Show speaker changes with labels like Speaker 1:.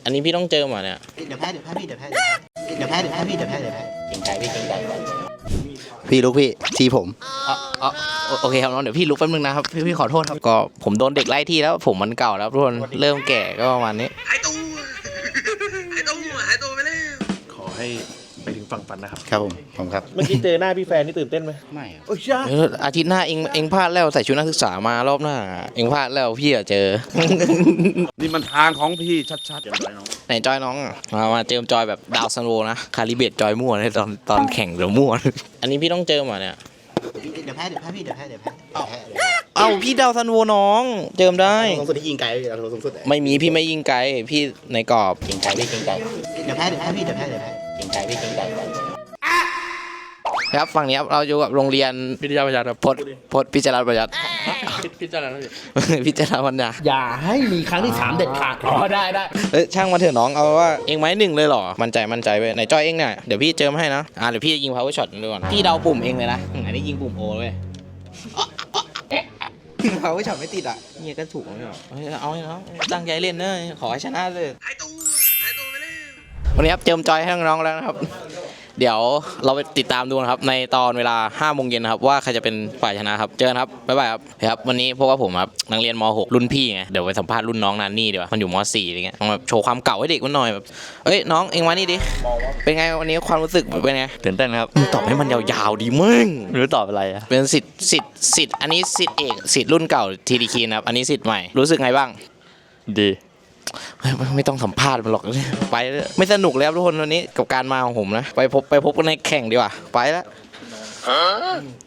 Speaker 1: อันนี้พี่ต้องเจอมาเนี่ย
Speaker 2: เดี๋ยวแพ้พี่เดี๋ยวแพ้พี่เก่งใจพี่เก่งใจ
Speaker 3: พี่ลูกพี่ทีผม
Speaker 1: อ๋อโอเคครับน้องเดี๋ยวพี่ลุกแป๊บนึงนะครับพี่ขอโทษครับก็ผมโดนเด็กไล่ที่แล้วผมมันเก่าแล้วทุกคนเริ่มแก่ก็ประมาณนี้
Speaker 4: หายตัวไปแล้วขอให้ไปถึงฝั่งฝันนะครับ
Speaker 3: ครับผมครับ
Speaker 4: เมื่อกี้เจอหน้าพี่แฟนนี่ตื่นเต้นไหม
Speaker 3: ไม่
Speaker 4: โอ้ยจ้า
Speaker 1: อาทิตย์หน้าเองพลาดแล้วใส่ชุดนักศึกษามารอบหน้าเองพลาดแล้วพี่อะเจอ
Speaker 4: นี่มันทางของพี่ชัดๆเดี๋ยวไปน้อง
Speaker 1: ไหนจอยน้องอะมาเจิมจอยแบบดาวซันโวนะคาลิเบตจอยมั่วในตอนแข่งเดี๋ยวมั่ว อันนี้พี่ต้องเจิมอ่ะเนี่ย
Speaker 2: เดี๋ยวแพ้พี่เดี๋ยวแพ้
Speaker 1: เอ้าพี่ดาวซันโวน้องเจิมได้
Speaker 3: สูงสุดที่ยิงไกลเราสูงสุด
Speaker 1: ไม่มีพี่ไม่ยิงไกลพี่ในกรอบ
Speaker 2: เก่งใจพี่เก่งใจเดี๋ยวแพ้พี่เก่งใจพี่เก่งใจ
Speaker 1: ครับฝั่งนี้ครับเราอยู่กับโรงเรียน
Speaker 4: พิทยาประหยัดครับ
Speaker 1: พจน์พิจารณาประหยัด
Speaker 4: พิจารณา
Speaker 1: พิจารณาปัญญา
Speaker 2: อย่าให้มีครั้งที่3เด็ดขาดได้
Speaker 1: ช่างมาเถอะน้องเอาว่าเองไม้หนึ่งเลยเหรอมั่นใจไปไหนจอยเองเนี่ยเดี๋ยวพี่เจิมให้นะเดี๋ยวพี่จะยิง power shot ดูก่อนพี่เดาปุ่มเองเลยนะอันนี้ยิงปุ่มโอเลย power shot ไม่ติดอ่ะเนี่ยก็ถูกไม่หรอเอาให้น้องตั้งใจเล่นเนอะขอให้ชนะเลย
Speaker 4: หายตัวไปแล้ว
Speaker 1: วันนี้ครับเจิมจอยให้น้องๆแล้วนะครับเดี๋ยวเราไปติดตามดูนะครับในตอนเวลา 5 โมงเย็นนะครับว่าใครจะเป็นฝ่ายชนะครับเจอกันครับบ๊ายบายครับวันนี้พวกว่าผมครับนักเรียนม .6 รุ่นพี่ไงเดี๋ยวไปสัมภาษณ์รุ่นน้องนันนี่ดีกว่ามันอยู่ม .4 อะไรเงี้ยต้องแบบโชว์ความเก่าให้เด็กมันหน่อยแบบเอ้ยน้องเอ็งมานี่ดิเป็นไงวันนี้ความรู้สึกเป็นไง
Speaker 5: ตื่นเต้นครับ
Speaker 1: มึงตอบให้มันยาวๆดิมึง
Speaker 5: ไม่รู้ตอบอะไรอะ
Speaker 1: เป็นสิทธิ์อันนี้สิทธิ์เอกสิทธิ์รุ่นเก่าทีดีคีนะครับอันนี้สิทธิ์ใหม่รู้สึกไงบ้าง
Speaker 5: ดี
Speaker 1: ไม่ต้องสัมภาษณ์มันหรอกไปเลยไม่สนุกแล้วทุกคนวันนี้กับการมาของผมนะไปพบกันในแข่งดีกว่าไปแล้ว